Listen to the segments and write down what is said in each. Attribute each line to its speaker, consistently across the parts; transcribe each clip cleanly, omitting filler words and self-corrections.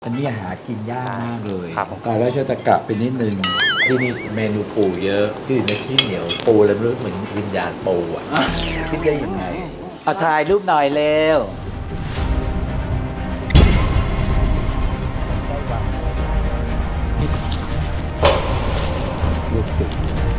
Speaker 1: อันนี้หากินยากมากเลย
Speaker 2: ครับผม
Speaker 1: ตายแล้วจะกลับไปนิดนึงที่นี่เมนูปูเยอะที่ในที่เหนียวปูแล้วรู้เหมือนวิญญาณปูอ่ะคิดได้ยังไงเอาถ่ายรูปหน่อยเร็วลูกติด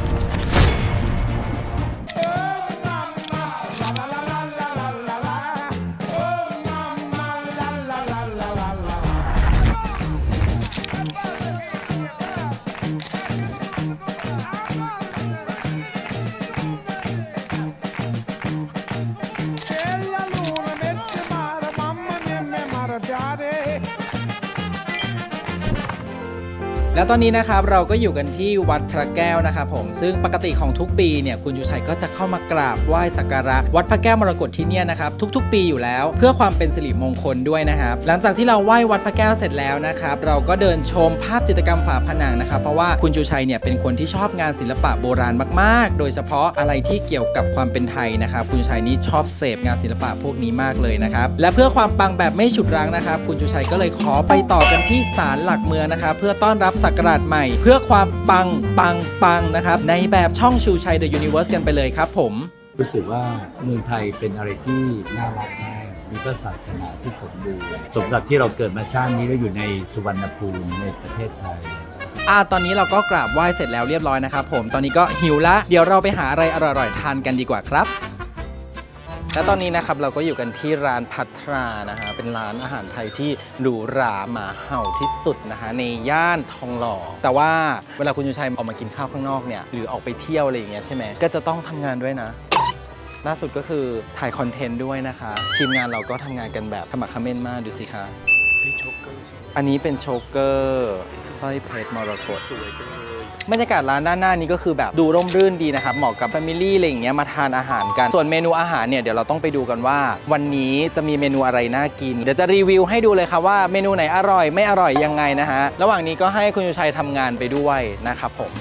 Speaker 3: แล้วตอนนี้นะครับเราก็อยู่กันที่วัดพระแก้วนะครับผมซึ่งปกติของทุกปีเนี่ยคุณชูชัยก็จะเข้ามากราบไหว้สักการะวัดพระแก้วมรกตที่เนี่ยนะครับทุกๆ ปีอยู่แล้วเพื่อความเป็นสิริมงคลด้วยนะครับหลังจากที่เราไหว้วัดพระแก้วเสร็จแล้วนะครับเราก็เดินชมภาพจิตรกรรมฝาผนังนะครับเพราะว่าคุณชูชัยเนี่ยเป็นคนที่ชอบงานศิลปะโบราณมากๆโดยเฉพาะอะไรที่เกี่ยวกับความเป็นไทยนะครับคุณชูชัยนี่ชอบเสพงานศิลปะพวกนี้มากเลยนะครับและเพื่อความปังแบบไม่ฉุดรั้งนะครับคุณชูชัยก็เลยขอไปต่อกันที่ศาลหลักเมืองนะครับเพื่อต้อนรับศักราชใหม่เพื่อความปังนะครับในแบบช่องชูชัย The Universe กันไปเลยครับผม
Speaker 1: รู้สึกว่าเมืองไทยเป็นอะไรที่น่ารักมากมีพระศาสนาที่สมบูรณ์สมกับที่เราเกิดมาชาตินี้แล้วอยู่ในสุวรรณภูมิในประเทศไทย
Speaker 3: ตอนนี้เราก็กราบไหว้เสร็จแล้วเรียบร้อยนะครับผมตอนนี้ก็หิวละเดี๋ยวเราไปหาอะไรอร่อยๆทานกันดีกว่าครับและตอนนี้นะครับเราก็อยู่กันที่ร้านพัทรานะฮะเป็นร้านอาหารไทยที่หรูหราหมาเห่าที่สุดนะฮะในย่านทองหล่อแต่ว่าเวลาคุณชูชัยออกมากินข้าวข้างนอกเนี่ยหรือออกไปเที่ยวอะไรอย่างเงี้ยใช่ไหมก็จะต้องทำงานด้วยนะล่าสุดก็คือถ่ายคอนเทนต์ด้วยนะคะทีมงานเราก็ทำงานกันแบบขมักเขม้นมากดูสิคะอันนี้เป็นโชเกอร์สร้อยเพชรมรกตสวยจังเลยบรรยากาศร้านด้านหน้านี้ก็คือแบบดูร่มรื่นดีนะครับเหมาะกับแฟมิลี่อะไรอย่างเงี้ยมาทานอาหารกันส่วนเมนูอาหารเนี่ยเดี๋ยวเราต้องไปดูกันว่าวันนี้จะมีเมนูอะไรน่ากินเดี๋ยวจะรีวิวให้ดูเลยครับว่าเมนูไหนอร่อยไม่อร่อยยังไงนะฮะระหว่างนี้ก็ให้คุณชูชัยทำงานไปด้วยนะครับผม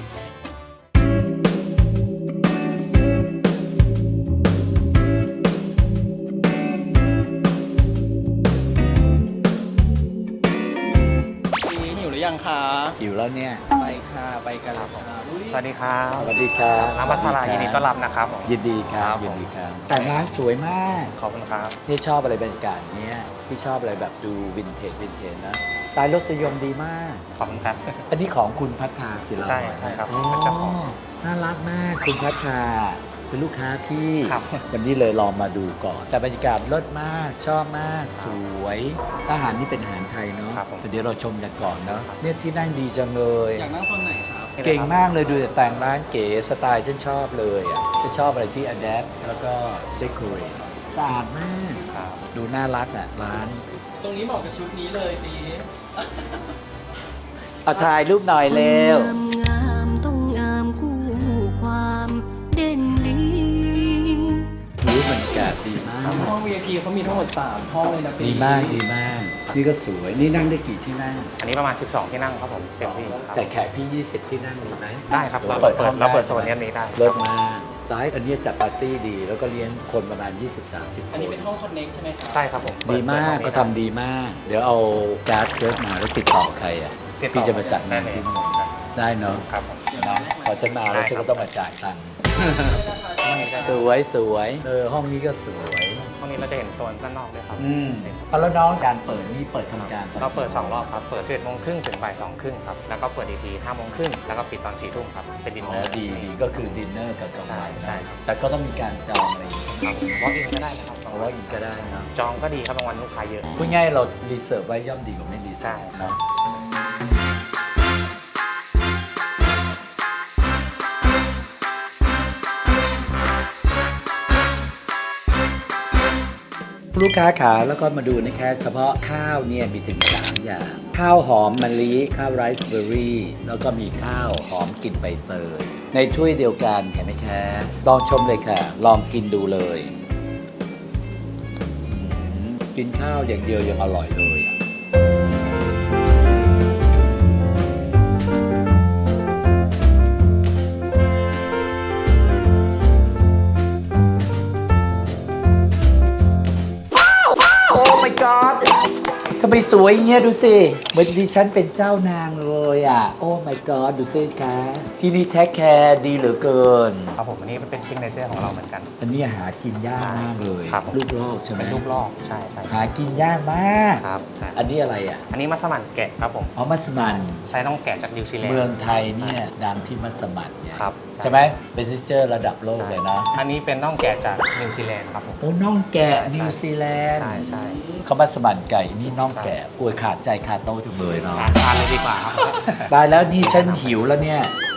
Speaker 3: ยังคะ
Speaker 1: อยู่แล้วเนี่ย
Speaker 3: ไปค่ะไปกันเลยค่ะ
Speaker 2: สวัสดีครับ
Speaker 1: สวัสดีครับ
Speaker 2: ร้านพัทรายินดีต้อนรับนะครับ
Speaker 1: ยินดีครับยินดีครับแต่ร้านสวยมาก
Speaker 2: ขอบคุณครับ
Speaker 1: นี่ชอบอะไรบรรยากาศเนี้ยพี่ชอบอะไรแบบดูวินเทจนะสไตล์รสนิยมดีมาก
Speaker 2: ขอบคุณครับ
Speaker 1: อันนี้ของคุณพัฒนาศิลป์
Speaker 2: ใช่ครับ
Speaker 1: เจ้าของน่ารักมากคุณพัฒนาเป็นลูกค้าพี่
Speaker 2: ครับ
Speaker 1: วันนี้เลยลองมาดูก่อนแต่บรรยากาศเลิศมากชอบมากสวยอาหารนี่เป็นอาหารไทยเนาะเดี๋ยวเราชมกันก่อนเนาะเนี่ยที่นั่งดีจังเลย
Speaker 3: อยากนั่งโซนไหนครับ
Speaker 1: เก่งมากเลยดูแต่แต่งร้านเก๋สไตล์ฉันชอบเลยอ่ะฉันชอบอะไรที่อัดแอปแล้วก็ได้คุยสะอาดมากดูน่ารักอ่ะร้าน
Speaker 3: ตรงนี้เหมาะกับชุดนี้เลยปี
Speaker 1: เอาถ่ายรูปหน่อยเร็ว
Speaker 4: งามต้องงามคู่ความเด่นดี
Speaker 1: บรรยากาศดีมาก
Speaker 3: ห้อง VIP เขามีทั้งหมด3ห้องเลยนะปี
Speaker 1: ดีมากนี่ก็สวยนี่นั่งได้กี่ที่นั่ง
Speaker 2: อันนี้ประมาณ12ที่นั่งครับผมเต็มที่ครับ
Speaker 1: แต่แขกพี่20ที่นั่งมีไหม
Speaker 2: ได้ครับเราเปิดโซนนี้ได้
Speaker 1: เลิศมากร้านอันนี้จัดปาร์ตี้ดีแล้วก็เลี้ยงคนประมาณ20-30
Speaker 3: อันนี้เป็นห้องคอนเน็กใช่ไหมครับ
Speaker 2: ใช่ครับผม
Speaker 1: ดีมากเขาทำดีมากเดี๋ยวเอาการ์ดเกิร์ดมาแล้วติดต่อใครอ่ะพี่จะมาจัดงานที่นี่ได้เนาะ
Speaker 2: ครับผม
Speaker 1: นะพอฉันมาแล้วฉันก็ต้องมาจ่ายตังค์สวยห้องนี้ก็สวย
Speaker 2: ห้องนี้เราจะเห็นโซนด้านนอกด้วยครับ
Speaker 1: แล้วน้องการเปิดนี่เปิดทำการ
Speaker 2: เราเปิด2รอบครับเปิด11:30 นถึงบ่าย 2:30 ครับแล้วก็เปิดอีกที5:30 นแล้วก็ปิดตอน4 ทุ่มครับเป็นดินเนอร์
Speaker 1: ดีก็คือดินเนอร์กับกลางวัน
Speaker 2: ใช่ครับ
Speaker 1: แต่ก็ต้องมีการจองอะไรอย่างเงี้ย
Speaker 2: ครับวอล์กอินก็ได้นะครับ
Speaker 1: วอล์กอินก็ได้นะ
Speaker 2: จองก็ดีครับบางวันลูกค้าเยอะ
Speaker 1: พูดง่ายเรารีเสิร์ฟไว้ย่อมดีกว่าไม่รีเสิร์ฟเนาะลูกค้าขาแล้วก็มาดูนะแค่เฉพาะข้าวเนี่ยมีถึง3อย่างข้าวหอมมะลิข้าวไรซ์เบอร์รี่แล้วก็มีข้าวหอมกลิ่นใบเตยในถ้วยเดียวกันเห็นไหมคะลองชมเลยค่ะลองกินดูเลยกินข้าวอย่างเดียวยังอร่อยเลยทำไมสวยอย่างเงี้ยดูสิเหมือนดิฉันเป็นเจ้านางเลยอ่ะ โอ้ my god ดูสิคะที่นี่แท็กแคร์ดีเหลือเกิน
Speaker 2: ครับผมอันนี้เป็นซิกเนเจอร์ของเราเหมือนกัน
Speaker 1: อันนี้หากินยากมากเลย
Speaker 2: ครับผม
Speaker 1: ลูกลอกใช่ไหม
Speaker 2: เป็นลูกลอกใช่ใช่
Speaker 1: หากินยากมาก
Speaker 2: ครับใช่
Speaker 1: อันนี้อะไรอ่ะ
Speaker 2: อันนี้มัสมั่นแกะครับผม
Speaker 1: อ๋อมัสมัน
Speaker 2: ใช้น้องแกะจากนิวซีแลนด์
Speaker 1: เมืองไทยเนี่ยดังที่มัสมันเนี่ย
Speaker 2: ครับ
Speaker 1: ใช่ไหมเป็นซิสเตอร์ระดับโลกเลยนะ
Speaker 2: อันนี้เป็นน้องแกะจากนิวซีแลนด์ครับผม
Speaker 1: โอ้น่องแกะ
Speaker 2: ใช่
Speaker 1: นิวซีแลนด์
Speaker 2: ใช่ใช่
Speaker 1: เขามัสมันไก่นี่น่องแกะป่วยขาดใจขาดโตจังเลยเนาะ
Speaker 2: ทานเลยดีกว่าครับ
Speaker 1: ตายแล้วนี่ฉันหิวแล้วเนี่ย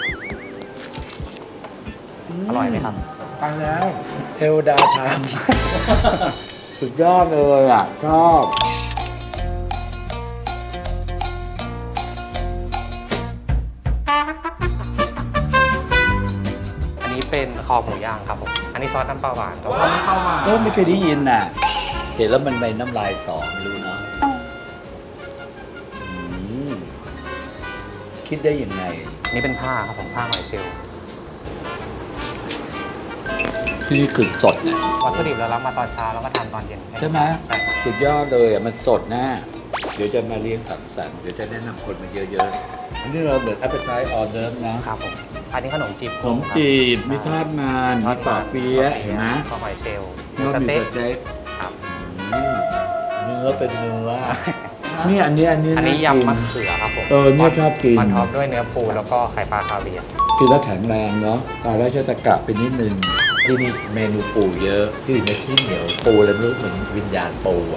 Speaker 2: อร่อยไหมครับ
Speaker 1: ตายแล้วเทวดาทำ สุดยอดเลยอ่ะชอบ
Speaker 2: อันนี้เป็นคอหมูย่างครับผม อันนี้ซอสน้ำปลาหวานครับ
Speaker 1: ไม่เคยได้ยินน่ะ เห็นแล้วมันไปน้ำลายสอไม่รู้เนาะอืมคิดได้ยังไง
Speaker 2: อันนี้เป็นผ้าครับผมผ้าหอยเชลล์
Speaker 1: ที่นี่คือสดนะ
Speaker 2: วัตถุดิบเรารับมาตอนเช้าแล้วก็ทำตอนเย็น
Speaker 1: ใช่ไหม
Speaker 2: ใช่ครับ
Speaker 1: สุดยอดเลยอ่ะ มันสดนะ เดี๋ยวจะมาเลี้ยงสังสรรค์เดี๋ยวจะแนะนำคนมาเยอะๆ อันนี้เราเหมือน appetite order นะครับ
Speaker 2: ผม อันนี้ขนมจีบ
Speaker 1: ผมจีบ
Speaker 2: ครับ
Speaker 1: มีทอดมันมีปอกเปี๊ยะเห็นไหม
Speaker 2: ข้าวหอยเชลล์
Speaker 1: แล้ว
Speaker 2: ส
Speaker 1: มี
Speaker 2: เต็ก
Speaker 1: สเต็ก
Speaker 2: ครับ
Speaker 1: อืมเนื้อเป็นเนื้อ นี่อันนี้
Speaker 2: อันนี้
Speaker 1: ากิ
Speaker 2: ยำมะเขือครับผม
Speaker 1: เนี่ยชอบกิน
Speaker 2: มันท็อปด้วยเนื้อปูแล้วก็ไข่ปลาคาเวียร์
Speaker 1: กินแล้วแข็งแรงเนาะตายแล้วจะตะกะไปนิดนึง ที่นี่เมนูปูเยอะ ที่ในที่เหนียวปูเลยไม่รู้เหมือนวิญญาณปูอ่ะ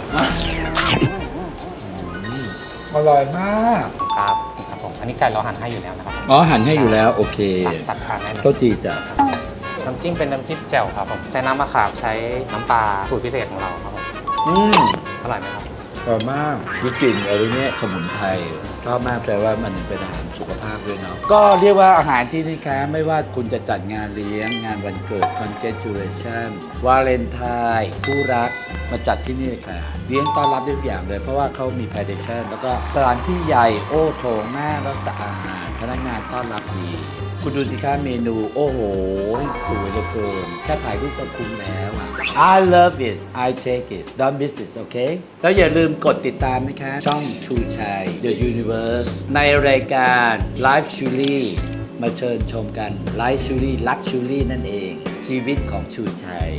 Speaker 1: อร่อยมาก
Speaker 2: ครับครับผมอันนี้ไก่เราหั่นให้อยู่แล้วนะครับผม
Speaker 1: อ๋อหั่นให้อยู่แล้วโอเค
Speaker 2: ตัดทานได้เลย
Speaker 1: โต๊ะจีจ้ะ
Speaker 2: น้ำจิ้มเป็นน้ำจิ้มแจ่วครับผมใช้น้ำมะขามใช้น้ำปลาสูตรพิเศษของเราครับผม
Speaker 1: อืม
Speaker 2: อร่อยไหมครับ
Speaker 1: อร่อยมากมีกลิ่นอะไรเนี่ยสมุนไพรชอบมากแต่ว่ามันเป็นอาหารสุขภาพด้วยเนาะก็เรียกว่าอาหารที่นี่คะไม่ว่าคุณจะจัดงานเลี้ยงงานวันเกิด congratulation วาเลนไทน์คู่รักมาจัดที่นี่ค่ะเลี้ยงต้อนรับทุกอย่างเลย เพราะว่าเขามี tradition แล้วก็สถานที่ใหญ่โอ้โถงมากแล้วสะอาดพนักงานต้อนรับดี คุณดูสิคะเมนูโอ้โหสวยเหลือเกินแค่ถ่ายรูปก็คุ้มแล้วอ่ะ I love it I take it don't miss it โอเคแล้วอย่าลืมกดติดตามนะคะ ช่อง True Chai The Universe ในรายการ Live Chuli มาเชิญชมกัน Live Chuli Luxury นั่นเอง ชีวิตของ True Chai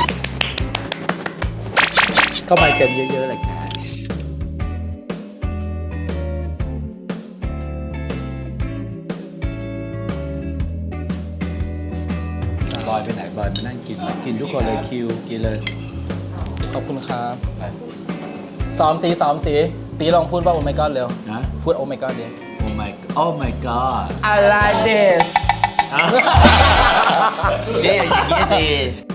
Speaker 1: เข้ามากันเยอะๆเลยค่ะบอยไปไหนบอยมานั่งกินมากินทุกคนเลยคิวกินเลย
Speaker 3: ขอบคุณครับซ้อมสีตีลองพูดว่าโอ my god เร็ว
Speaker 1: นะ
Speaker 3: พูดโอ my god ดิ
Speaker 1: Oh my god
Speaker 3: I like this
Speaker 1: เนี่ยอย่างนี้ยดี